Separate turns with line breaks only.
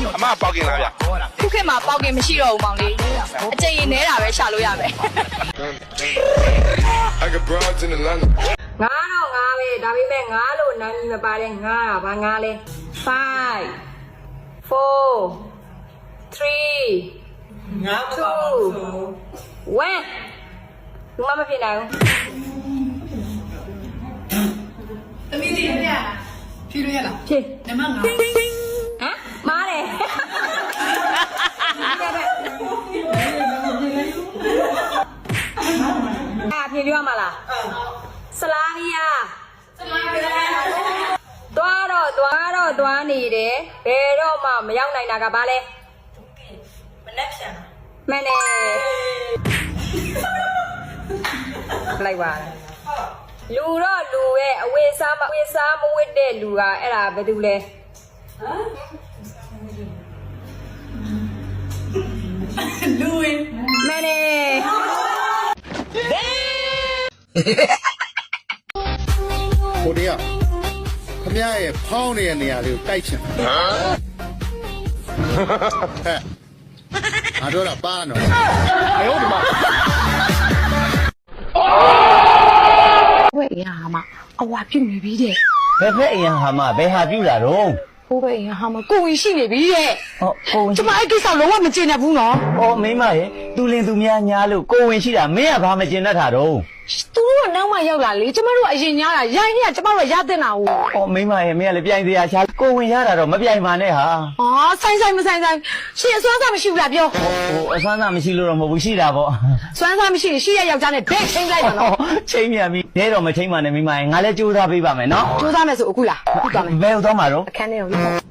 အမပေါက်ကင်လားဗျ
ခုခေတ်မှာပေါက်ကင်မရှိတော့ဘူးမောင်လေးအကျဉ်းရင်နဲတာပဲရှာလို့ရမယ်
I got broads in Atlanta.
ငါတော့ငါပဲဒါပေမဲ့ငါလို့နာမည်မပါတဲ့ငါကဘာငါလဲ5 4 3
ငါမပါဘူးဆို
1လူမဖြစ်နိုင်ဘူး
သမီးလေးဖြေလို့ရလား
ဖြည့်
နမငါ
ဟမ်မားတယ်ဖြည့်ပြရမှာလားဆလာရီယာသွားနေတယ်ဘယ်တော့မှမရောက်နိုင်တာကဘာလဲ
မနဲ့ဖြန်
မှန်တယ်လိုက်ပါလားလူတော့လူရဲ့အဝေးစားမဝစ်တဲ့လူကအဲ့ဒါဘယ်သူလဲ
လူဝင်
မှန်တယ်
ဟိုတည်းကခမရရဲ့ဖောင်းနေတဲ့နေရာလေးကိုတိုက်ချင်ဟမ်ငါတို့တော့ပါနော်အေးဟုတ်ဒီမှာ
ဘွဲ့ရဟာမအဝါပြုတ်နေပြီတဲ့
ဘယ်ဖက်အရင်ဟာမဘယ်ဟာပြူလာတော့
ဘိုးဘွဲ့ရဟာမကိုဝင်ရှိနေပြီတဲ့
ဟောကိုဝင်
ကျမအဲ့ကိစ္စလုံးဝမကျေနပ်ဘူးနော်
ဟောမိမရဲ့သူလင်သူများညားလို့ကိုဝင်ရှိတာမင်းကဘာမကျင်တတ်တာတော့
သူတို့ကနောက်မှရောက်လာလေကျမတို့ကအရင်ညားတာရိုင်းနေကကျမတို့ကရတဲ့နာကို
ဟောမိမရဲ့မင်းကလည်းပြိုင်စရာရှာကိုဝင်ရတာတော့မပြိုင်ပါနဲ့ဟာ
ဟာဆိုင်မဆိုင်ရှင်အစွမ်းစားမရှိဘူးလားပြော
ဟိုအဆန်းသားမရှိလို့တော့မဟုတ်ဘူးရှိတာပေါ့
စွမ်းစားမရှိရင်ရှိရယောက်ျားနဲ့ဘက်ချင်းလိုက်ပါနော်
ချိန်မြန်ပြီနဲတော့မချိန်ပါနဲ့မိမရဲ့ငါလည်းကြိုးစားပေးပါမယ်နော်
ကြိုးစားမယ်ဆိုအခုလားအခုသွားမယ်
ဘယ်ဟုတ်သွားမှာတော့
အခန်းထဲကို